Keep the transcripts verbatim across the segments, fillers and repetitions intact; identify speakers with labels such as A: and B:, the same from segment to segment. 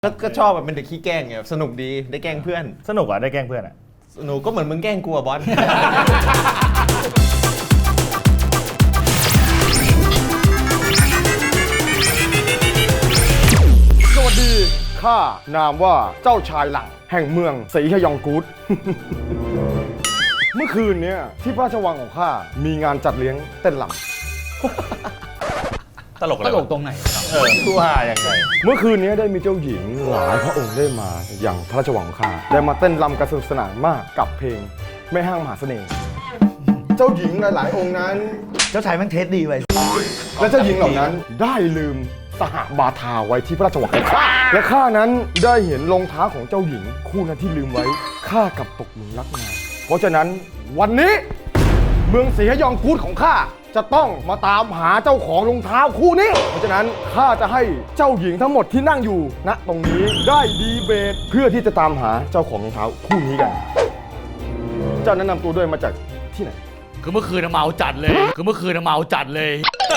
A: แล้วก็ชอบแบบเป็นเด็กขี้แกล้งไงสนุกดีได้แกล้งเพื่อน
B: สนุกอ่ะได้แกล้งเพื่อนอ่ะ
A: สนุกก็เหมือนมึงแกล้งกูอะบอส
C: สวัสดีข้านามว่าเจ้าชายหลังแห่งเมืองศรีฮยองกูด เมื่อคืนเนี้ยที่พระราชวังของข้ามีงานจัดเลี้ยงเต้นรำ
B: ตลกตลกตรงไหนเออคู่หาอย่างไร
C: เมื่อคืนนี้ได้มีเจ้าหญิงหลายพระองค์ได้มาอย่างพระราชวังของข้าได้มาเต้นรำกันสนุกสนานมากกับเพลงแม่ห้างมหาเสน่ห์เจ้าหญิงหลายๆองค์นั้น
B: เจ้าชายแม่งเทสดีไว้
C: และเจ้าหญิงเหล่านั้นได้ลืมสหบาทาไว้ที่พระราชวังของข้าและข้านั้นได้เห็นรองเท้าของเจ้าหญิงคู่นั้นที่ลืมไว้ข้ากลับตกหลุมรักมาเพราะฉะนั้นวันนี้เมืองศรีฮยองกูดของข้าจะต้องมาตามหาเจ้าของรองเท้าคู่นี้เพราะฉะนั้นข้าจะให้เจ้าหญิงทั้งหมดที่นั่งอยู่ณตรงนี้ได้ดีเบตเพื่อที่จะตามหาเจ้าของรองเท้าคู่นี้กันเจ้าแนะนำตัวด้วยมาจากที่ไหน
D: คือเมื่อคืนเมาจัดเลยคือเมื่อคืนเมาจัดเลย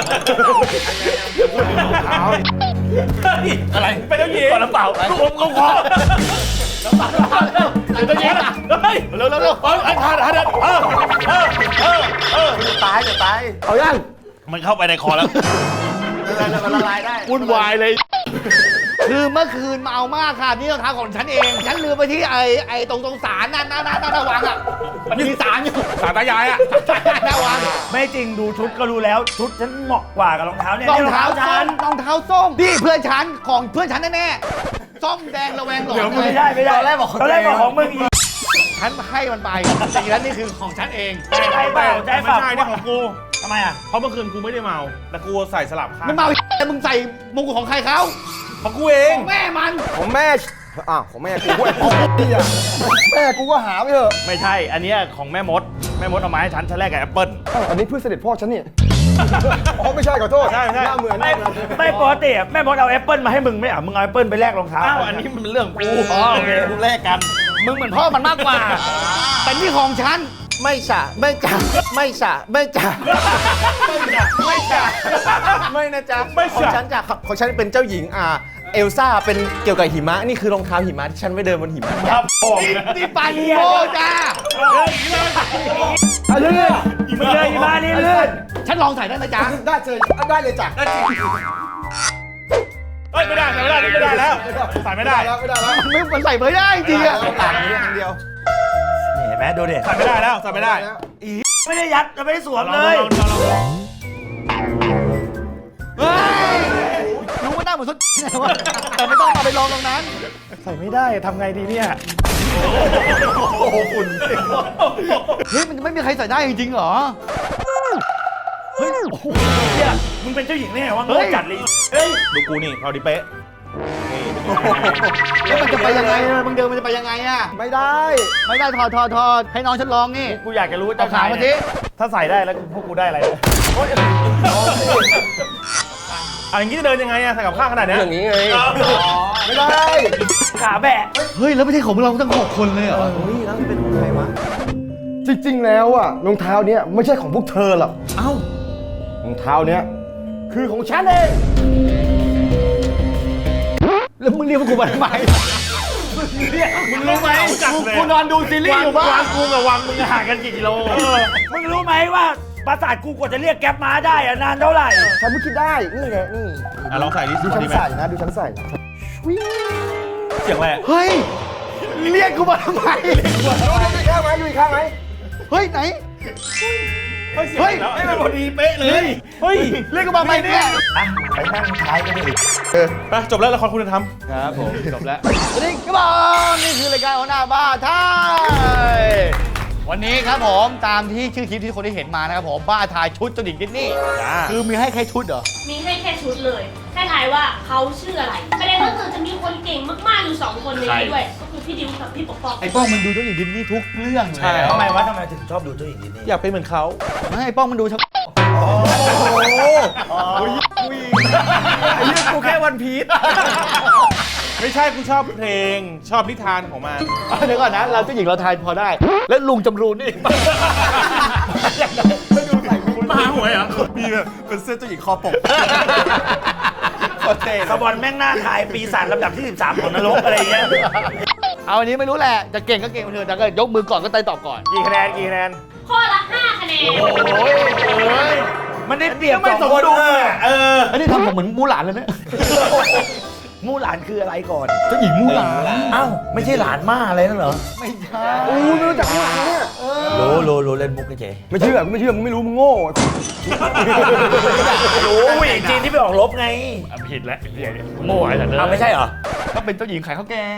D: อะไรเป็นเจ้าหญิงก่อนน้ำเปล่าผมก็ขอน้ำเปล่าเป็นเจ้าหญิงเฮ้ยเร็วเร็วเร็วไอ้ท่าท่าเดินเออเออเออเออตายจะตายเอายังมันเข้าไปในคอแล้วมันละลายได้วุ่นวายเลยคือเมื่อคืนเมามากค่ะนี่รองเท้าของฉันเองฉันลืมไปที่ไอ้ไอ้ตรงตรงศาลนั่นนั่นนั่นนั่นวังอ่ะมันมีศาลอยู่ศาลตายายอ่ะศาลตายายวัง
B: ไม่จริงดูชุดก็รู้แล้วชุดฉันเหมาะกว่ากับรองเท้าเนี่ย
D: รองเท้าฉันรองเท้าส้มนี่เพื่อนฉันของเพื่อนฉันแน่ๆส้มแดงระแวงหลอน
B: ไม่ได้ไม่ได้ตอนแรกบอกตอนแรกบอกของมึงอีก
D: ฉันให้มันไปแต่อีกแล้วนี่คือของฉันเอง
B: ใช่เปล่าใช่เปล่า
E: ไม่ใช่นี่ของกู
B: ทำไมอ่ะ
E: เพราะเมื่อคืนกูไม่ได้เมาแต่กูใส่สลับข้าง
D: ไม่เมาแต่มึงใส่มงกุฎของใครเขา
E: ของกูเอง
D: ของแม่มัน
C: ของแม่อ้าวของแม่กูด้วยแม่กูก็หาไปเถอะ
B: ไม่ใช่อันนี้ของแม่มดแม่มดเอามาให้ฉันฉันแรกกับแอปเปิ้ล
C: อันนี้เพื่อเสด็จพ่อฉันนี่อ๋อไม่ใช่ขอโทษ
E: ใช่ใช่
C: หน้าเหมือน
B: ไม่ไม่ปกติแม่มดเอาแอปเปิ้ลมาให้มึงไม่อ่ะมึงเอาแอปเปิ้ลไปแลกรองเท้า
E: อ้าวอันนี้มันเรื่องกู
B: อ๋อโอเคกูแลกกัน
D: มึงเหมือนพ่อมันมากกว่าแต่นี่ของฉัน
A: ไม่จ่าไม่จ่าไม่จ่าไม่จ่าไม่จ่าไม่นะจ๊ะของฉันจ้ะของฉันเป็นเจ้าหญิงอ่าเอลซ่าเป็นเกี่ยวกับหิมะนี่คือรองเท้าหิมะที่ฉันไว้เดินบนหิมะ
B: ครับผม
D: นี่ปานิโมจ้า
B: ลื่นมึงเลยหิมะนี่ลื่น
D: ฉันลองใส่ได้ไหมจ๊ะ
C: ได้เลยได้เลยจ้ะ
E: เฮ้ยไม่ได้ใส่ไม่ได้ไม่ได้แล้วใส่ไม่ได้
C: แล้วไม่ได้แล้ว
D: ไม่มันใส่ไม่ได้จริงอะ
A: ต่างนี้ครั้งเดียว
B: เห็นไหมดูดิ
E: ใส่ไม่ได้แล้วใส่ไม่ได้
B: อีไม่ได้ยัดไม่ได้สวมเลย
D: รู้ว่าหน้าเหมือนสุดแต่ไม่ต้องเอาไปลองตรงนั้น
B: ใส่ไม่ได้ทำไงดีเนี่ย
C: โอ้โหฝุ่น
D: เฮ้ยมันไม่มีใครใส่ได้จริงๆเหรอ
B: เฮ้ยเนี่ยมึงเป็นเจ้าหญิงแน่วะมึงจัดเลย
E: เฮ้ยดูกูนี่เราดิเป๊ะ
D: แล้วมันจะไปยังไงมึงเดินมันจะไปยังไงอะ
C: ไม่ได้
D: ไม่ได้ถอดถอดถอดให้น้องฉันลองนี่
B: กูอยากจะรู้
D: เอาขามาสิ
B: ถ้าใส่ได้แล้วพวกกูได้อะไร
E: อันนี้จะเดินยังไงอะใส่กับข้างขนาดนี้
C: อย่างนี้ไงไม่ได้
B: ขาแบะ
D: เฮ้ยแล้วไม่ใช่ของเราทั้งหกคนเลยเหรอ
A: เฮ้ยแล้วเป็นของใครวะ
C: จริงๆแล้วอะรองเท้าเนี้ยไม่ใช่ของพวกเธอหรอก
D: เอ้าร
C: องเท้าเนี้ยคือของฉันเอง
D: แล้วมึงเรียกพวกกูมาทำไม
E: มึงรู้ไหม
D: กูนอนดูซีรีส์อยู่บ้าน
E: วางกูกับวังมึงห่างกันกี่กิโล
B: มึงรู้ไหมว่าปราสาทกูกว่าจะเรียกแก๊ปมาได้อะนานเท่าไหร่
C: ฉันไม่คิดได้นี่ไงนี่
E: อ่ะลองใส่ดิ
C: ดูฉันใส่นะดูฉันใส่
E: เสียงอะไร
D: เฮ้ยเรียกกูมาทำไม
C: ดูอีกข้างไหมดูอีกข้างไหม
D: เฮ้ยไหน
E: เฮ้ยเฮ้ยให้มันพอดีเป๊ะเลย
B: เฮ้ย
D: เรียกกูมาไหมเนี่ย
B: ไปนั่งท้ายกันดิ
E: ไปจบแล้วละครคุณธรรม
D: ครับผมจบแล้วสวัสดีครับนี่คือรายการหัวหน้าบ้านไทยวันนี้ครับผมตามที่ชื่อคลิปที่คนได้เห็นมานะครับผมบ้าทายชุดเจ้าหญิงดิสนีย์คือมีให้แค่ชุดเหรอ
F: มีให้แค่ชุดเลยแค่ทายว่าเขาชื่ออะไรประเด็นก็คือจะมีคนเก่งมากๆอยู่สองคนในนี้ด้วยก็คือพี่ดิวกับพี่ปกป้อง
D: ไอ้ป้องมันดูเจ้าหญิงดิสนีย์ทุกเรื่อง
E: ใช่
B: ทำไมวะทำไมถึงชอบดูเจ้าหญิงดิสนีย์
E: อยากเป็นเหมือนเขา
D: ไม่ไอ้ป้องมันดูชัก
C: โอ้โห
E: ไอ้เรื่องกูแค่วันพีชไม่ใช่กูชอบเพลงชอบนิทานของมัน
D: เดี๋ยวก่อนนะเราเจ้าหญิงเราทายพอได้แล้วลุงจำรูนนี่
E: ไม่ดูใส่คุณมาหวยเหรอมีแบบเป็นเสื้อเจ้าหญิงคอปก
B: สปอนแม่งหน้าทายปีศาจลำดับที่สิบสามของนรกอะไรอย่างเงี้ย
D: เอาอันนี้ไม่รู้แหละ จะเก่งก็เก่งไปเถอะแต่ก็ยกมือก่อนก็ไต่ตอบก่อน
B: กี่คะแนนกี่คะแนน
F: ข้อละห้าคะแนน
B: โอ้ยเอ้ยมันได้เปรียบสองคนเออ
D: อันนี้ทำผมเหมือนมูหลานเลยเนี่ย
B: มู่หลานคืออะไรก่อน
D: เจ้าหญิงมูหลาน
B: เอ้าไม่ใช่หลานม่าอะไรนั่นเหรอ
D: ไม่ใช่
C: อู้ไม่รู้จักมูหลานเนี่ย
B: รู้รู้รู้เล่นมุกเฉย
C: ไม่เชื่อกูไม่เชื่อมึงไม่รู้มึงโง่
B: รู้ผู้หญิงจีนที่ไปออกรบไง
D: ผิดแล้วโม่ไอ้สัตว์เลย
B: อ้าวไม่ใช่เหรอ
D: ก็เป็นเจ้าหญิงขายข้าวแกง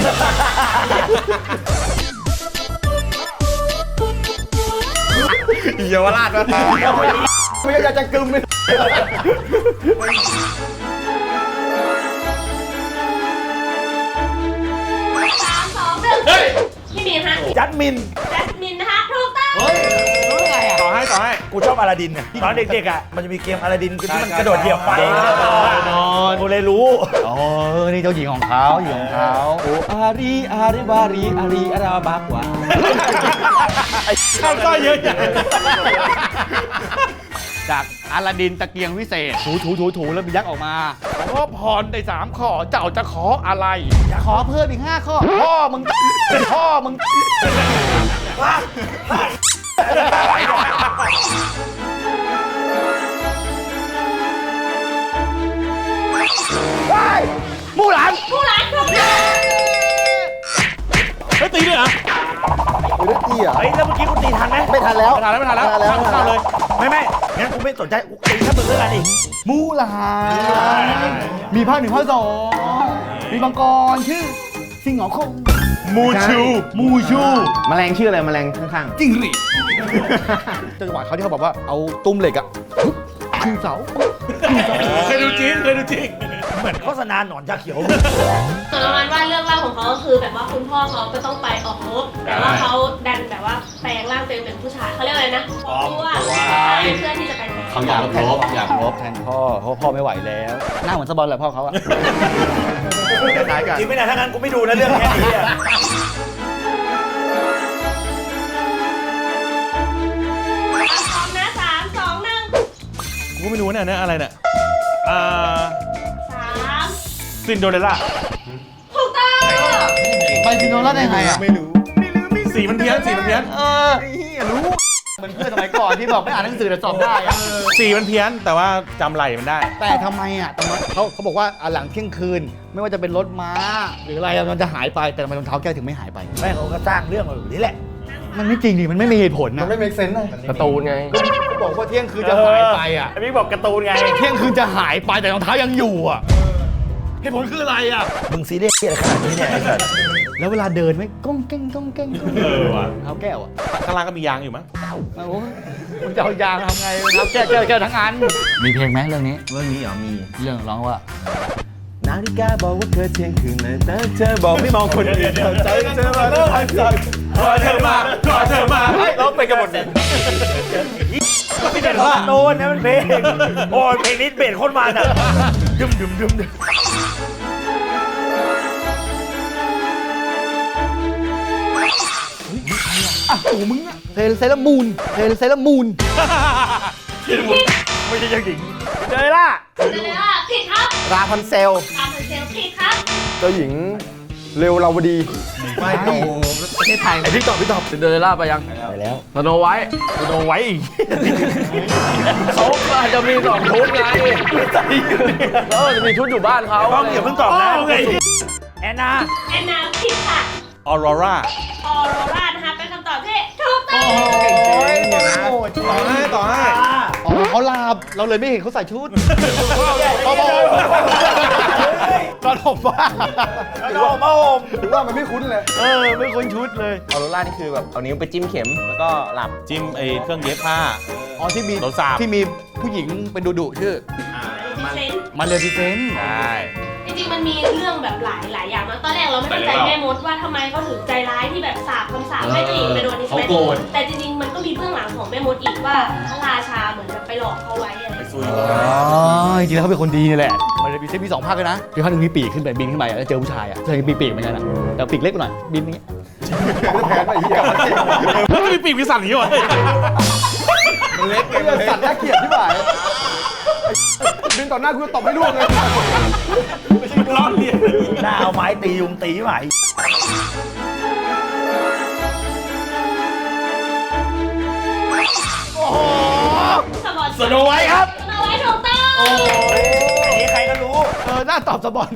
A: เยาวราชวะ
C: ไม่อยากจะกึมเลย
F: สามสองหนึ่งพี่มีนฮะ
B: จัดมิน
F: แจสมินนะคะถูกต้อง
B: รู้ได้ไงอ่ะ
E: ต่อให้ต่อให้
B: กูชอบอลาดินเนี่ยตอนเด็กๆอ่ะมันจะมีเกมอลาดินที่มันกระโดดเหยียบไฟ
D: นอน
B: กูเลยรู้
D: อ๋อนี่เจ้าหญิงของเขาหญิงของเขาโออารีอาริบารีอารีอาราบากวา
E: ข้ามต้อยเยอะใหญ่
D: จากอาลาดินตะเกียงวิเศษ ถูถูถูถูแล้วมียักษ์ออกมาขอพรได้สามข้อ เจ้าจะขออะไรจะขอเพิ่มอีกห้าข้อ พ่อมึง พ่อมึง มู่หลาน
F: ผู้หลานถูกต้อง
E: เฮ้ยตีด้วยเหรอ
C: ไม่ได้ตีอ่ะ
B: เฮ้ยแล้วเมื่อกี้กูตีทันไหม
C: ไม่ทันแล้ว
E: ไม่ทันแล้วไม่ทันแล้ว
C: ไม่ทันแล้ว
E: เข้าเลย
B: ไม่ไม่งั้นกูไม่สนใจกูตีแค่มึงแล้วกันอีก
D: มู่หลานมีภาคหนึ่งภาคสองมีมังกรชื่อ สิงห์หงอคง
E: มูชู
D: มูชู
A: แมลงชื่ออะไรแมลงข้าง
D: จิ้งหรีดจังหวะเขาที่เขาบอกว่าเอาตุ้มเหล็กอะปึ๊บขึ้นเสาปึ๊บขึ้นเสา
E: เคยดูจริงเคยดูจริง
B: เหมือนโฆษณาหนอนชาเขียว
F: ส่วนประมาณว่าเรื่องเล่าของเขาก็คือแบบว่าคุณพ่อเขาก็ต้องไปออกรบแต่ว่าเขาดันแบบว่าแปลงร่างตัวเองเป็นผู้ชายเขาเรียกอะไรนะปลอมตัวเพื่อที่จะไปแทน
D: เขาอยากรบอยากรบแทนพ่อเพราะพ่อไม่ไหวแล้วหน้าเหมือนสบอลแหละพ่อเขาอะ
A: ๆคล้ายๆกัน
B: จริงไม่ได้ถ้างั้นกูไม่ดูนะเรื่องแค่นี้อะ
F: พร้อมนะสามสองหนึ่ง
E: กูก็ไม่รู้เนี่ยเนี่ยอะไรเนี่ยอ่า
F: สาม
E: ซินโดเรลล่า
F: ถูกต้อง
D: ไปซินโนล่าได้ไงอะ
A: ไม่รู้
E: สีมันเพี้ยนสีมันเพี้ยน
D: เออไอ้เหี้ยรู้เหมือนเพื่อนสมัยก่อนที่บอกไม่อ่านหนังสือแต่สอบได้อะ
E: สีมันเพี้ยนแต่ว่าจำไหลมันได้
D: แต่ทำไมอะทำไมเขาเขาบอกว่าอ่ะหลังเที่ยงคืน ไม่ว่าจะเป็นรถม้า หรืออะไรอะมันจะหายไปแต่ทำไมรองเท้าแก้วถึงไม่หายไป
B: แม่เขาก็สร้างเรื่องมาแบบนี้แหละ
D: มันไม่จริงดิมันไม่มีเหตุผล
C: มั
D: นะ
C: นไม่เมคเซนส์เลย
A: การ์ตูนไง
D: เขาบอกว่าเที่ยงคืนจะหายไปอะ
B: ไอ้พี่บอกการ์ตูนไง
D: เที่ยงคืนจะหายไปแต่รองเท้ายังอยู่อะเหตุผลคืออะไรอะ
B: มึงซีเรียสอะไรขนาดนี้เนี่ยไอ้สัส
D: แล้วเวลาเดินไหมก้องเก้งก้องเก้งก้องเก้ง
E: เออว่ะ
D: เท้าแก้วอะ
E: ข้างล่างก็มียางอยู่มั้ง
D: โอ้โหมันจะเอายางทำไงเท้าแก้วแก้วแก้วทั้งอันมีเพลงไหมเรื่องนี้
A: เรื่องนี้เหรอมี
D: เรื่องร้องว่า
A: นาฬิกาบอกว่าเธอเที่ยงคืนเลยแต่เธอบอกไม่มองคนอื่นเข้าใจเธอมาแล้วหายใจ
E: ขอเธอมาขอเธอมา
A: เราไปกันหมดเลย
B: ไม่ใช่ของโดนนะมันเพลงโอ้ยเพลงนี้เบสโคนมันอ่ะดึมดึมดึมดึม
D: อ่ะโอ้มึงอะเพลงเซเลอร์มูนเพลงเซเลอร์มูน
B: ไม่ใช่เจ้าหญิงเจอล่ะ
F: เดี๋ยวเลยว่าผิดครับ
A: ราพันเซล
F: ตามเป็นเซลล์ผิดครับ
C: เจ้าหญิงเร็วเราวดี
A: ไม่โอ้ประเทศไทย
C: ไอพี่ตอบพี่ตอบ
D: ซินเดอเรลล่าไปยัง
B: ไปแล้ว
D: สโนไวท์
B: โดนไว้อีก
D: เขาอาจจะมีสองชุดไงแล้วจะมีชุดอยู่บ้านเขา
B: ต้องอย่าเพิ่งตอบนะแอนนา
F: แอนนาผิดค่ะ
E: ออโรรา
F: ออโรรานะคะเป็นคำตอบที่ถูกต้อง
E: ต่อให้ต่อให้
D: อ๋อเขาลาบเราเลยไม่เห็นเขาใส่ชุดเขาบอกตอนผมว่า
B: โอ้โห
C: ถือว่ามันไม่คุ้นเลย
D: เออไม่คุ้นชุดเลย
A: ออโรรานี่คือแบบเอานิ้วไปจิ้มเข็มแล้วก็หลับ
E: จิ้มไอ้เครื่องเย็บผ้า
D: อ๋อที่มี
E: รถสาบ
D: ที่มีผู้หญิงเป็นดุดุๆชื่อ
F: ดิเซนต์
D: มาเลฟิเซนต์
E: ใช่
F: จริงๆมันมีเรื่องแบบหลายหลายอย่างนะตอนแรกเราไม่เข้าใจแม่มดว่าทำไมเขาถึงใจร้ายที่แบบสาบคำสาปให้เจ้าหญิงไปโดนดิสแมนแต่จริงๆมันก็มีเบื้องหลังของแม่มดอีกว่าพระราชาเหมือนกับไปหลอกเขาไว้อะไรอย่างเงี้ย
D: อ๋อจริงๆแล้วเขาเป็นคนดีนี่แหละมาเลฟิเซนต์มีสองภาคเลยนะคือภาคหนึ่งมีปีกขึ้นไปบินขึ้นไปแล้วเจอผู้ชายอ่ะเจอมีปีกเหมือนกันอ่ะแต่ปีกเล็กกว่าหน่อยบินอย่างเงี้ย
C: แผนไปอีกอย่าง
E: มันจะมีปีกมีสันอย่างนี้วะ
C: มันเล็กไงมันสัตว์น่าเกลียดที่บ่ายบินต่อหน้ากูจะตบให้ร่วงเลย
E: ไม่ใช่ล้อเลียน
B: หน้าเอาไม้ตียุงตีไหม
F: สปอน
D: สโนไวท์ครับ
F: สโนไวท์ถูกต้อง
B: อันนี้ใครก็รู้
A: เออ น่าตอบสปอน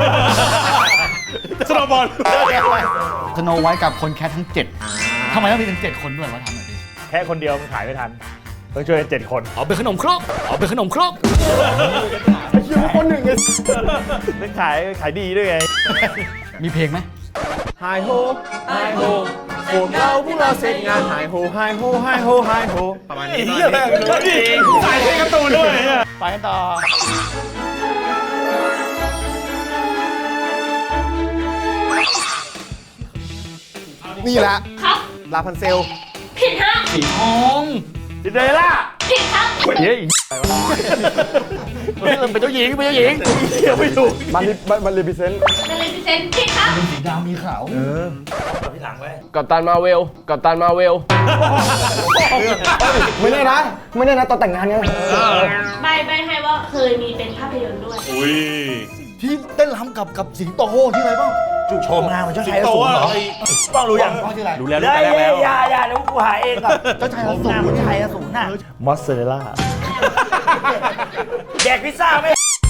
E: สโนว์บอล
G: สโนไวท์กับคนแคททั้งเจ็ดทำไมต้องมีถึงเจ็ดคนด้วยวะทำหน่อยดิ
B: แค่คนเดียวมันขายไม่ทันต้องช่วยกันเจ็ดคน
G: เอาเป็นขนมครกเอาเป็นขนมครก
C: เชื่อว่าคนหนึ่งไง
B: ต้องขายขายดีด้วยไง
G: มีเพลงไหม
A: ไฮโฮไฮโฮพวกเราพวกเราเสร็จงานไฮโฮไฮโฮไฮโฮไฮโฮประมาณนี้
E: ใส่เพลงการ์ตูนด้วยเนี่ย
G: ไปกันต่อ
A: นี่แหละ
F: ครับ
A: ลาพันเซล
F: ผิดฮะ
G: สีทอง
B: จินเดอเรลล่า
F: ผิดครับ
B: เฮ้ย
G: เป็นเจ้าหญิงเป็นเจ้าหญิง
B: เดี๋ยวไม่ถูก
C: มันมันรีพิเซนต์
F: เดลิพิเซนผิดครับ
G: เป็นสีดำมีขาว
B: กับพี่หลังไว้
C: กับตันมาเวลกับตันมาเวล ไม่แน่นะ ไม่แน่นะตอนแต่งงานไง
F: ใบใบให้ว่าเคยมีเป็นภาพยนตร์ด้วย
E: อุ้ย
G: ที่เต้นรำกับกับสิงโตที่อะไรบ้าง
B: โชมงานมันเจ้า
E: สิง
B: ชายอ
E: โต
B: สูร
E: อ่ะ
B: เหรอ
E: ไอ้
B: ต้องรู้ยัง
G: ต้องชื่ออะไร
E: รู้แล้วรู้
B: ได้
E: แต่แรกแล้ว
B: อย่าอย่าเดี๋ยวกูหาเองก่อน
G: เจ้าชายอสูร
B: หน้ามันชายอสูรน่ะมอสซาเรลล่าแดกพิซซ่าไหม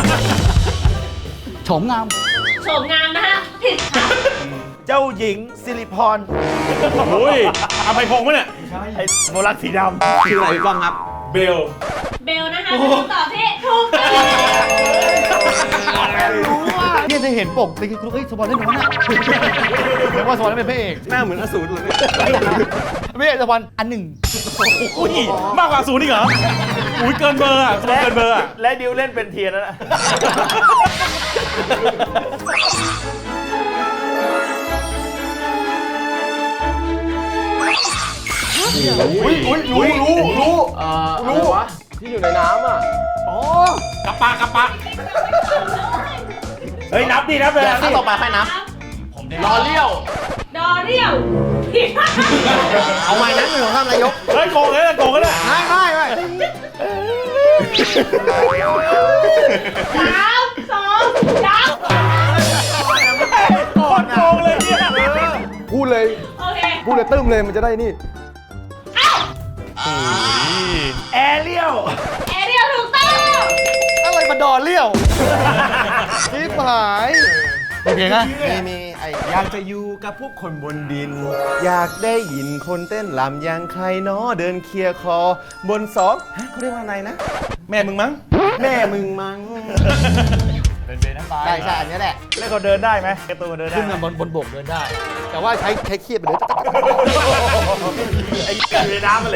G: โฉมงาม
F: โฉมงามนะฮะ ผิดครับ
B: เจ้าหญิงสิริพร
E: อุ้ยอภัยพงษ์ปะเนี่ย
B: ไอ้โมลักสีดำ
A: ชื่ออะไรบ้างครับ
E: เบล
F: เบลนะคะเป็นคำตอบที่ถูกต้อง
G: เนี่ยจะเห็นปกไปคือเฮ้ยสปอนเล่นน้อยนะแปลว่าสปอนเป็นพระเอก
A: หน้าเหมือนอสูรเลย
G: ไม่ใช่สปอนอันหนึ่ง
E: อุ้ยมากกว่าศูนย์อีกเหรอ อุ้ยเกินเบอร์อ่ะเกินเบอร์อ่ะ
B: และดิวเล่นเป็นเทียนแล้วนะ
C: อุ้ยอุ้ยรู้รู้รู้เอ่อรู้วะที่อยู่ในน้ำอ่ะ
E: กระปะกระปะ
B: เฮ้ยนับดินับเลย
A: เดี๋ยว
B: นับ
A: ขั้น
B: ดิ
A: ต่อไปให้นับ
C: รอเลี้ยว
F: ดอเรียวผิดครับ
A: เอาใหม่นั้นหนึ่งของข้ามนายก
E: เฮ้ยโกงเลยโกงเลย
A: ไม่ไม่ไม่
F: สามสองยับ
E: โคตรโกงเลยเนี่ย
C: พูดเลย
F: โอเค
C: พูดเลยตึ้มเลยมันจะได้นี่
F: เอ้า
B: แอเรียล
F: แอเรียลถูกต้อง
G: อะไรมาดอเลี้ยวชิบหายมีเพลงอะ
A: มีมีไออยากจะอยู่กับพวกคนบนดิน อยากได้ยินคนเต้นลำอย่างใครเนาะเดินเคลียร์คอบนสองฮะเขาเรียกว่าอะไรนะ
E: แม่มึงมั้ง
A: แม่มึงมั้ง
G: เป็นเพลงนั้นไป
A: ใช่ใช่อันนี้แหละ
B: แล้วเขาเดินได้ไหมการ์ตูนเดินได้
G: ขึ้น
B: ไหม
G: มาบนบนบกเดินได้ แต่ว่าใช้ใช้เคียบไปเลย
B: ไอ้อยู่ในน้ำมันเลย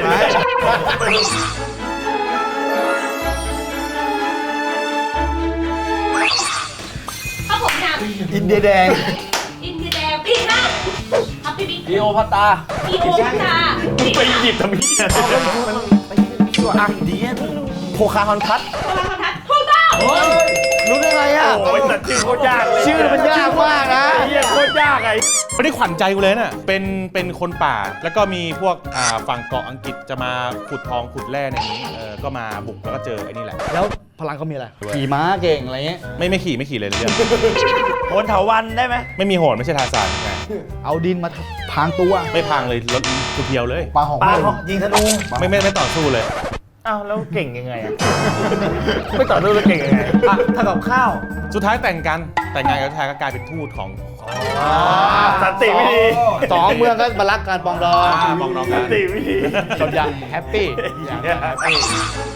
F: ถ้าผมถาม
G: อินเดียแดง
F: อินเดียแดงผิดครับครับพี่บิ๊ก
G: ดีโอพัตตา
F: อีโอพัตาผิด
B: ไป
F: ครับ
B: หยิบทำไมเนี่ย
A: ตัวอังดีโคคาฮอนพัท
F: โทรทัศน์ถูกต้อง
A: รู้ได้ไงอ่ะ
B: โอ้ยแต่ชื่อโคตรยากเลย
A: ชื่อมันยากมากนะ
B: ไอ้เหี้ยโคตรยากไอ้
E: ไม่ได้ขวัญใจกูเลยน่ะ เป็น เป็นคนป่า แล้วก็มีพวก อ่า ฝั่งเกาะอังกฤษจะมาขุดทองขุดแร่ในนี้ เออ ก็มาบุกแล้วก็เจอไอ้นี่แหละ
G: แล้วพลังเขามีอะไร ขี่ม้าเก่งอะไรเงี้ย
E: ไม่ไม่ขี่ไม่ขี่เลยเรื่อง
B: โหนเถาวันได้ไหม
E: ไม่มีโหนไม่ใช่ทาซานไง
G: เอาดินมาพางตัว
E: ไม่พังเลยรถเพียวๆเลย
G: ปลาหอม
B: ปลา
G: ไหม
B: ของยิงธนู
E: ไม่ไม่ไม่ต่อสู้เลย
B: อ้าวแล้วเก่งยังไงอะไม่ต่อเนื่องแล้วเก่งยังไงอ่ะทำกับข้าว
E: สุดท้ายแต่งกัน แต่งงานกับชายก็กลายเป็นทูตของ
B: สันติวิธี
G: สองเมืองก็มารักการปองดอง
E: อ่าปองดองกั
B: สั
E: น
B: นติวิธี
G: จนยังแฮปปี้อย่างแฮปปี้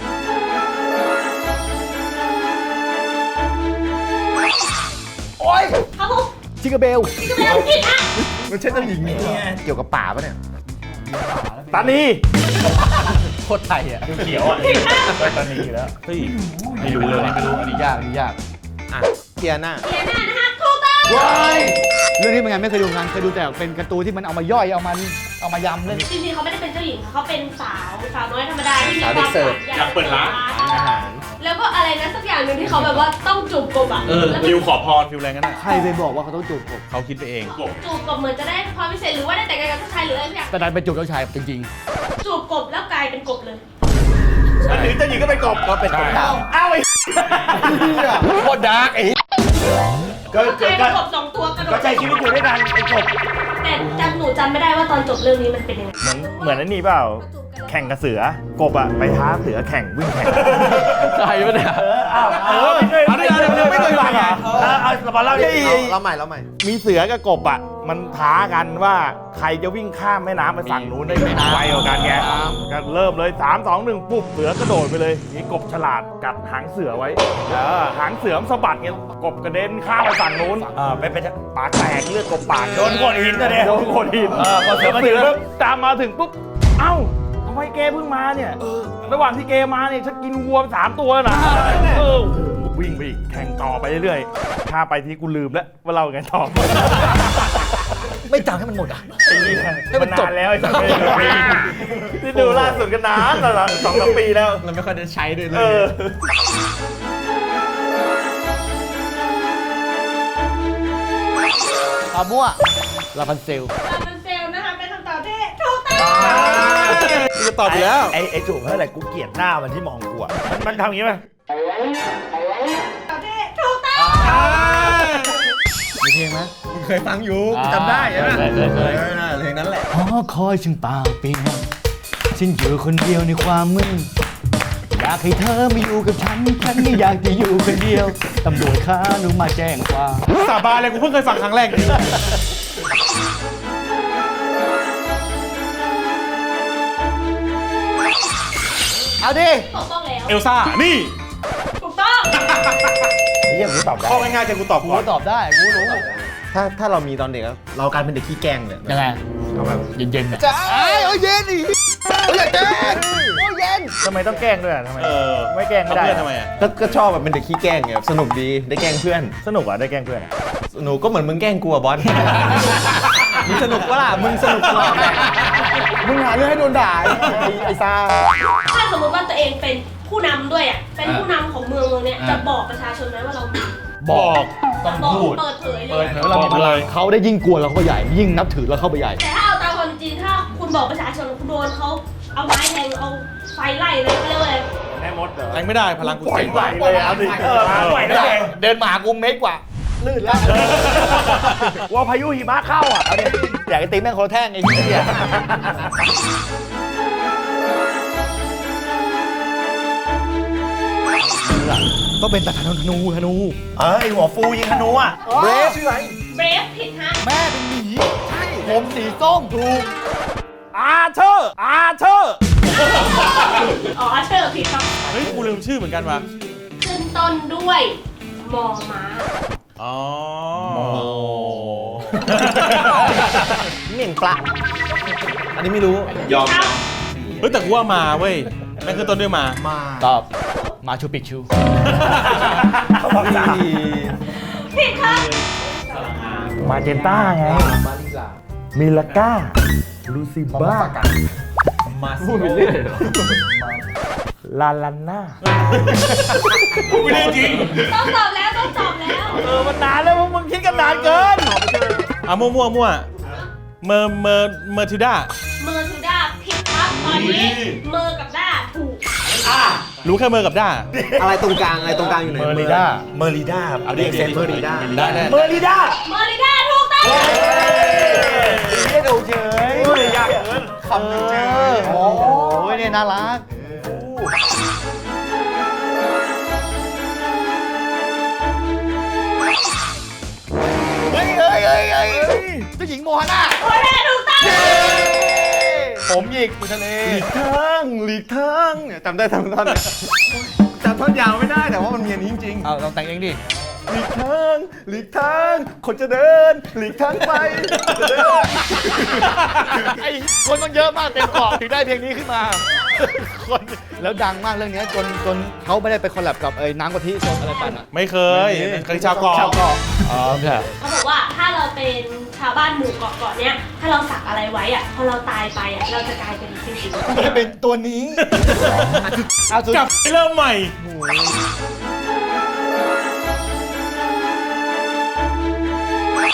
F: ครับผม
G: ชิคาเบล
F: พี่ก็ไม่ต้องผิดอ่ะ
A: มันใช่เจ้าหญิงเกี่ยวกับป่าปะเนี่ย
B: ตานี
G: โคตรไทยอ่ะ
B: เขียวอ่ะตานีอยู่แล้ว
E: เฮ้ย ไม่รู้เลยไม่รู้
G: อันนี้ยากอันนี้ยาก
A: อ่ะเทียน่า
F: เทียน่านะฮะถูกต้อง
G: เรื่องนี้เป็นไงไม่เคยดูงานเคยดูแต่เป็นการ์ตูนที่มันเอามาย่อยเอามาเอามายำเล่น
F: จริงๆเขาไม่ได้เป็นเจ้าหญิงค่ะเขาเป็นสาวสาวน้อยธรรมดาที่มี
A: สาว
F: ค
A: เด็
F: วาก ม
A: เสิร์ฟ
F: ฝัน
E: อยากเปิดร้าน
A: อาหาร
F: แล้วก็อะไรนะสักอย่างหนึ่งที่เขาแบบว่าต้องจูบกบอ่ะ
E: เออ
F: แล้ว
E: ฟิวขอพรฟิวอะไรกันน่ะ
G: ใครไปบอกว่าเขาต้องจูบผม
E: เขาคิดไปเอง
F: จูบกบเหมือนจะได้ความพิเศษหรือว่าได้แต่งงานกับผู้ชายหรืออะไรสักอย่าง
G: แต่ดันไปจูบเจ้าชายจริง
F: จูบกบแล้วกลายเป็นกบเลย
G: ๆ
D: มันถึงเจ้าหญิงก็เป็นกบ
A: ก็เป็นกบดาว
D: อ้าวไอ้
C: โคตรดาร์กไอ้
B: ก็
F: ใคร
B: ก็
F: เป็นกบสองตัวกระโด
B: ก็
F: ด
B: ใช้ชีวิตอยู่ด้วยกันไอ้กบ
F: แต่จำหนูจำไม่ได้ว่าตอนจบเรื่องนี้มันเป็นยังไง
B: เหมือนเหมือนอันนี้เปล่า แข่งกับเสือกบอะไปท้าเสือแข่งวิ่งแข่ง
C: ใช่ปะเนี่ย
B: เอออ้าวเออไม่เคยไม่เคยไม่เคยฟังเหรอเออเอามาเล่าดิ
A: เราใหม่เราใหม่
B: มีเสือกับกบอะมันท้ากันว่าใครจะวิ่งข้ามแม่น้ำไปฝั่งนู้นได้ไวกว่ากันไงก็เริ่มเลยสาม สอง หนึ่งปุ๊บเสือกระโดดไปเลยมีกบฉลาดกัดหางเสือไว้เออหางเสือมนสะบัดเงี้ยกบกระเด็นข้ามไปฝั่งนู้นเออไปไปปากแตกเลือดกบปากโดนโขดหินนะเนี่ยโดนโขดหินเออพอเสือมาถึงปุ๊บตามมาถึงปุ๊บเอ้าทำไมเกเพิ่งมาเนี่ยระหว่างที่เกมาเนี่ยฉันกินวัวสามตัวนะเออวิ่งไปอีกแข่งต่อไปเรื่อยๆข้าไปที่กูลืมแล้วว่าเราไงต่อ
G: ไม่จำให้มันหมดอ่ะ
B: ให้มันจบแล้วไอ้สัตว์ที่ดูล่าสุดกันนานตลอดสองสามปีแล้ว
A: เราไม่ค่อยได้ใช้ด้วยเล
B: เอย อ
G: อามั่วลาพันเซล
F: ลาพันเซลนะคะเป็นคำตอบที่ถูกต้อง
E: จะตอบอยู่แล้ว
B: ไอ้ไอ้จุ๋มเท่าไหร่กูเกลียดหน้ามันที่มองกูอ่ะมันมันทำอย่างนี้ไหม
F: ตอบที่ถูกต้อง
G: มีเพลงไหม
A: เคยฟังอยู่จำได้ใช่ไหม
G: เคยเคยเคย
A: เออน่ะเพลงนั้นแหละ
G: หอคอยฉันเปล่าเปลี่ยนฉันอยู่คนเดียวในความมืดอยากให้เธอมาอยู่กับฉันฉันไม่อยากจะอยู่คนเดียวตำรวจค้าหนูมาแจ้งความ
E: สาบานเลยกูเพิ่งเคยฟังครั้งแรกนี่
G: เอาดิ
F: ถูกต้องแล้ว
E: เอลซ่า นี่
F: ถูกต้อง
B: นี่ยังกูตอบได้
E: ข้อง่ายๆจะกูตอบ
G: กู
E: ก่อน
G: ก็ตอบได้กูรู้
A: ถ้าถ้าเรามีตอนเด็กอะเรากลายเป็นเด็กขี้แกล้งเลย
G: ยังไง
A: เอาแบบ
G: เย็นๆอ่ะ
A: จ้าโอ้ยเย็นดิโอ้ยอย่าแกล้งโอ้ยเย็น
B: ทำไมต้องแกล้งด้วยอ่ะทำไม
E: เออ
B: ไม่แกล้งไม่ได้
E: เพื่อนทำไมอ่ะ
A: ก็ก็ชอบแบบเป็นเด็กขี้แกล้งไงสนุกดีได้แกล้งเพื่อน
B: สนุกอ่ะได้แกล้งเพื่อน
A: หนูก็เหมือนมึงแกล้งกูอะบอส มึงสนุกปะล่ะมึงสนุกปะล่ะ
C: มึงหาเรื่องให้โดนด่าไอ้ไอ้ซ่า
F: ถ้าสมมติว่าตัวเองเป็นผู้นำด้วยอ่ะเป็นผู้นำของเมืองเมืองเนี้ยจะบอกประชาชนไหมว่าเรามี
G: บอก
F: จะบอกเปิดเผยเล
G: เปิ
F: ย
G: ดเผยว่าเรามีพลังเขาได้ยิ่งกลัวเราเข้าไปใหญ่ ยิ่งนับถือเราเข้าไปใหญ่
F: แต่ถ้าเอาตามความจริงถ้าคุณบอกประชาชนคุณโดนเขาเอาไม้แทงเอาไฟไล่เลยเขาเรียกว่าอะไร
B: แม่มดเหรอ
E: แทงไม่ได้พลังกู
B: ปล่อย
E: เจ๋ง
B: ไหวเลยเอาสิเออปล่อยได้ไง
G: เดินมาหากูเมตรกว่า ลื่นแล้ว
B: ว่าพายุหิมะเข้าอ่ะเอาดิ
G: อยากให้ตีแม่งคนละแท่งไอ้เหี้ยต้องเป็นตาธนูธนู
B: เอ้ยหัวฟูยิงธนูอ่ะ
G: เบรฟชื่ออะไร
F: เบรฟผิดฮะ
G: แม่เป็นหมีใช่ผมสีส้มถูก
B: อาเชอร์อาเชอร์
F: อ๋อเชอร์ผิดครับ
E: เฮ้ยกูลืมชื่อเหมือนกันว่ะ
F: ขึ้นต้นด้วยมอม้า
E: อ๋อ
A: เหม่งปลาอันนี้ไม่รู้
E: ยอม เฮ้ยแต่กูว่ามาเว้ยแม่งคือต้นด้วยมา
A: มา
G: ตอบมาชูปิกชู
B: เขาบอกสาม
F: ผิดครับ
B: มาเจนต้าไง
A: มาลิซา
B: มิลาก้า ลูซิบ้า
A: มาพูดไปเรื่อยเหรอ
B: ลาลาน่า
E: กูไม่ได้จริง
F: ต้องตอบแล้วต้องตอบแล้ว
B: เออ มันนานแล้วพวกมึงคิดกันนานเกิน
E: อ่ะมั่วมั่วมั่วเมอร์เมอร์เมอร์ทิวด้า
F: เมอร์ทูด้าผิดครับตอนนี้เมอร์กับด้าถูก
E: รู้แค่เมอร์กับด้า
A: อะไรตรงกลางอะไรตรงกลางอยู่ไหน
B: เมอริด้า เมอริด้า
A: เอาดิเซนเมอริด้า
E: ได้แน่
B: เมอริด้า
F: เมอร์ลิด้าถูกต้อง
G: ไม่ดูเฉย
B: โอ้ยยากเกิน
G: คำเฉยโอ้ยเนี่ยน่ารัก เฮ้ยเฮ้ยเฮ้ยเฮ้ยเจ้าหญิงโมฮาน่า
F: โอ้ยแม่ถูกต้อง
G: ผมหยิกอยู่ทะเล
A: หลีกทางหลีกทางเนี่ยจำได้ทั้งท่อนเลยจำท่อนยาวไม่ได้แต่ว่ามันมีอันนี้จริง
G: เอาเราแต่งเองดิ
A: ๆหลีกทางหลีกทางคนจะเดินหลีกทางไปจะเดิน
G: ไอ้คนมันเยอะมากเต็มเกาะถึงได้เพลงนี้ขึ้นมา คนแล้วดังมากเรื่องนี้จนจนเขาไม่ได้ไปคอลแลบกับไอ้น้ำกะทิสดอะไรปั่นอ่ะ
E: ไม่เคยเคยชาวเกาะ
G: ชาวเกาะอ๋อใช่
F: เขาบอกว่าถ้าเราเป็นชาวบ้านหมู่เกาะเกาะเนี้ยถ้าเราสักอะไรไว้อ่ะพอเราตายไปอ่ะเราจะกลายเป็นสิ่งสิ่ง
G: ไม่เป็นตัวนี้เอาสุด
E: กลับไปเริ่มใหม่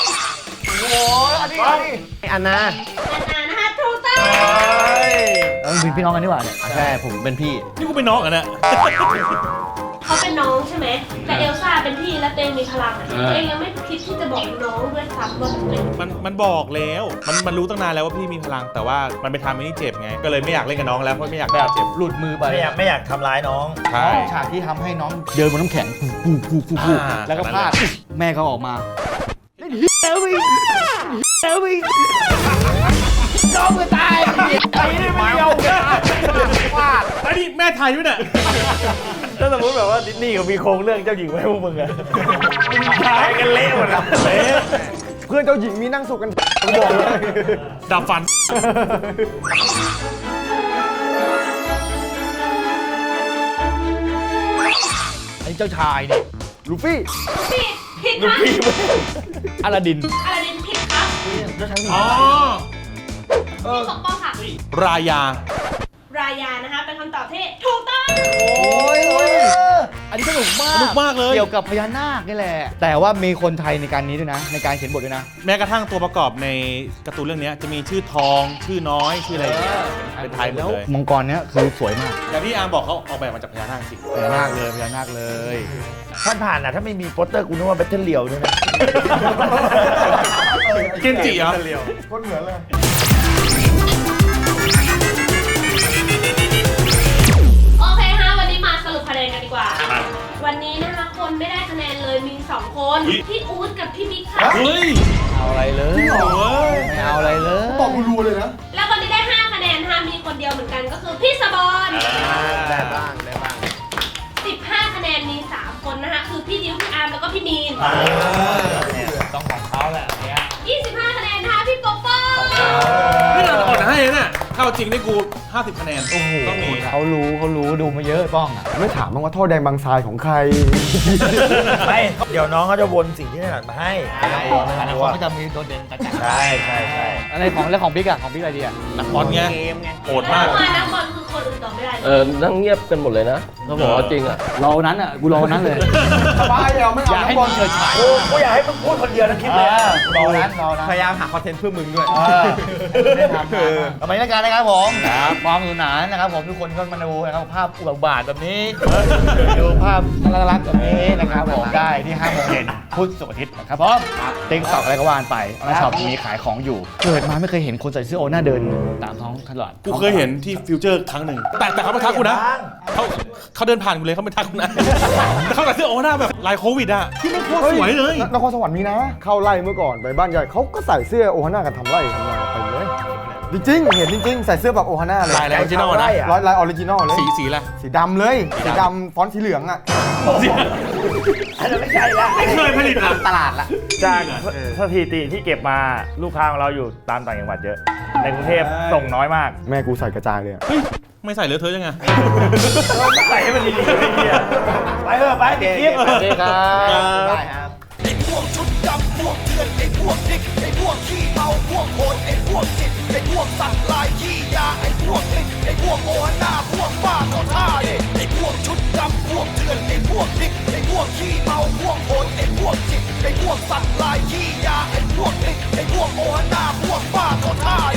G: โอ้ยอันนี้อันนี้
A: อันนา
F: นานานะคะถูกต้อง
A: เออ
G: มึงเป็นพี่น้องกันนี่หว่าเนี่ย
A: ใช่ผมเป็นพี่
E: นี่กูเป็นน้องอ่ะเนี่ย
F: เขาเป็นน้องใช่ไหมแต่เอลซ่าเป็นพี่และเตงมีพลังอะตัวเองยังไม่คิดที่จะบอกน้องด้วยซ้ำว่าตัวเอง
E: มันมันบอกแล้ว มันมันรู้ตั้งนานแล้วว่าพี่มีพลัง แต่ว่ามันไปทำให้นี่เจ็บไง ก็เลยไม่อยากเล่นกับน้องแล้วเพราะไม่อยากให้เจ็บ
G: หลุดมือไป
D: ไม่อยากไม่อยากทำร้ายน้อง
E: ใช่
G: ฉากที่ทำให้น้องเดินบนน้ำแข็งปูปูปูปู
E: อ่า
G: แล้วก็พลาดแม่เขาออกมาเล่นเฮียแล้วอีกแล้วอีกน้องจะตายไอ้นี่ไม่เดียวพลาด
E: ไอ้นี่แม่ไทยด้วยเนี่ย
B: ถ้าสมมติแบบว่าดิสนีย์เขามีโครงเรื่องเจ้าหญิงไว้ให้พวกมึงอะตายกันเละหมดอะเละ
C: เพื่อนเจ้าหญิงมีนั่งสุกกันผมบอกเลย
E: ดับฟัน
G: ไอ้เจ้าชายเนี่ย
C: ลูฟี่
F: ผิดผิดครับ
G: อลาดิน
F: อาราดินผิดครับ
E: อ๋อ
F: พี่ปกป้องค่ะ
E: รายา
F: รายานะคะเป็นคำตอบที่ถูกต้อง
G: โอ้ยอันนี้สนุกมาก
E: สนุกมากเลย
G: เกี่ยวกับพญานาคนี่แหละ แต่ว่ามีคนไทยในการนี้ด้วยนะ ในการเขียนบทด้วยนะ
E: แม้กระทั่งตัวประกอบในการ์ตูนเรื่องนี้จะมีชื่อทอง ชื่อน้อย ชื่ออะไรอย่างเงี้ยเป็นไทยหมดเลย
G: มังกรเนี้ยคือสวยมาก
E: อย่างที่อาร์มบอกเขาออกแบบมาจากพญานาคจริง
G: พญานาคเลยพญานาคเลย
D: ท่านผ่านอ่ะถ้าไม่มีโปสเตอร์กูนึกว่าแบทเทิลเลียวด้วยนะ
E: เกนจิเหรอ
C: คนเหมือนเลย
F: โอเคฮะวันนี้มาสรุปคะแนนกันดีกว่า วันนี้นะคะคนไม่ได้คะแนนเลยมีสองคนพี่อู๊ดกับพี่บิ๊กค่ะ
E: เฮ้ย
G: เอาอะไรเลย
E: โอ้ย
G: ไม่เอาอะไรเลย
C: บอกรัวๆเลยนะ
F: แล้วคนที่ได้ห้าคะแนนห้ามีคนเดียวเหมือนกันก็คือพี่สบอน
A: ได้บ้างได้บ้าง
F: สิบห้าคะแนนมีสามคนนะคะคือพี่ดิวพี่อาร์มแล้วก็พี่มีน
D: ต้องของเขาแหละเนี่ย
F: ยี่สิบห้าคะแนนนะคะพี่ปกป้อง
E: นี่เราอ่อนให้นะเนี่ยถ้าเอาจริงได้กูห้าสิบคะแนนต้องมี
G: เขารู้เขารู้ดูมาเยอะป้องอ่ะ
C: ไม่ถามบ้างว่าท่อแดงบางทรายของใคร
D: ไม่เดี๋ยวน้องเขาจะวนสิ่งที่ถนัดมาให้
G: แต่ละคนก็จะมีโดดเด่นต่าง
D: ใช่ใช่ใช่
G: ๆอะไรของแล้วของบิ๊กอะของบิ๊กอะไรดีอะ
E: นักบอลไงโหดมาก
F: มานักบอลคือคนอื่นตอบไม่ได้เล
H: เอย อ นั่งเงียบกันหมดเลยนะเขาบอกว่าจริงอ่ะ
G: รอวันนั้นอะกูรอวันนั้นเลย
C: สบายเอาไม่
G: อ
C: เอา
G: ย่าให้
C: น้ำบอ
G: มึ
C: ล
G: งเฉิดฉาย
D: กูกูอยากให้มึงพูดคนเดียวนะคลิป
G: เอ
D: เลย
G: อรอวันนั้นรอวันนั้น
A: พยายามหาคอนเทนต์เพื่อมึงด้วย
G: เออได้ทำมาทำไมรายการนะครับผมครับความสนุกสนานนะครับผมทุกคนก็มาดูนะครับภาพอุบาทแบบนี้ดูภาพน่ารักๆแบบนี้นะครับผมได้ที่ห้าโมงเย็นพุธศุกร์อาทิตย์นะครับผมติ๊กต็อกอะไรก็ว่านไปแล้วช็อปมีขายของอยู่เกิดมาไม่เคยเห็นคนใส่เสื้อโอน่าเดินตามท้องตลาด
E: กูเคยเห็นที่ฟิวเจอร์ครั้งหนึ่ง แต่แต่เขาไม่ทักกูนะเขาเขาเดินผ่านกูเลยเขาไม่ทักกูนะ แต่เขาใส่เสื้อโอหน้าแบบลายโควิดอะที่ไม่โคตรสวยเลย
C: นครสวรรค์มีนะ เข้าไร่เมื่อก่อนไปบ้านใหญ่เขาก็ใส่เสื้อโอฮาน่ากันทำไร่ทำนาไปเลย จริงๆ เห็นจริงๆ ใส่เสื้อแบบโอฮาน่าเลย
E: ลายอะไร original นะ
C: ลายลายออริจินอลเลย
E: สีสีอะไร
C: สีดำเลย สีดำฟอนต์สีเหลืองอ่ะ
D: อันนั้นไม่ใช่ละ
E: ไม่เคยผลิตอะ
A: ตลาดละ
B: จากสถิติที่เก็บมาลูกค้าของเราอยู่ตามต่างจังหวัดเยอะ ในกรุงเทพส่งน้อยมาก
C: แม่กูใส่กระจายเลยอะ
E: เฮ้ย ไม่ใส่เลอะเทอะยังไง
B: ใส่ให้มันดีๆไอ้เหี้ยไปเถอะไปติดคลิป
G: สวัสดีครับได้ครับ
I: ไอ้พวกชุดดำพวกเถื่อนไอ้พวกดิกไอ้พวกขี้เมาพวกโหดไอ้พวกจิตไอ้พวกสัตว์ลายขี้ยาไอ้พวกลิกไอ้พวกโอหน้าพวกบ้าก็ท่าเด็ไอ้พวกชุดดำพวกเถื่อนไอ้พวกดิกไอ้พวกขี้เมาพวกโหดไอ้พวกจิตไอ้พวกสัตว์ลายขี้ยาไอ้พวกลิกไอ้พวกโอหน้าพวกบ้าก็ท่า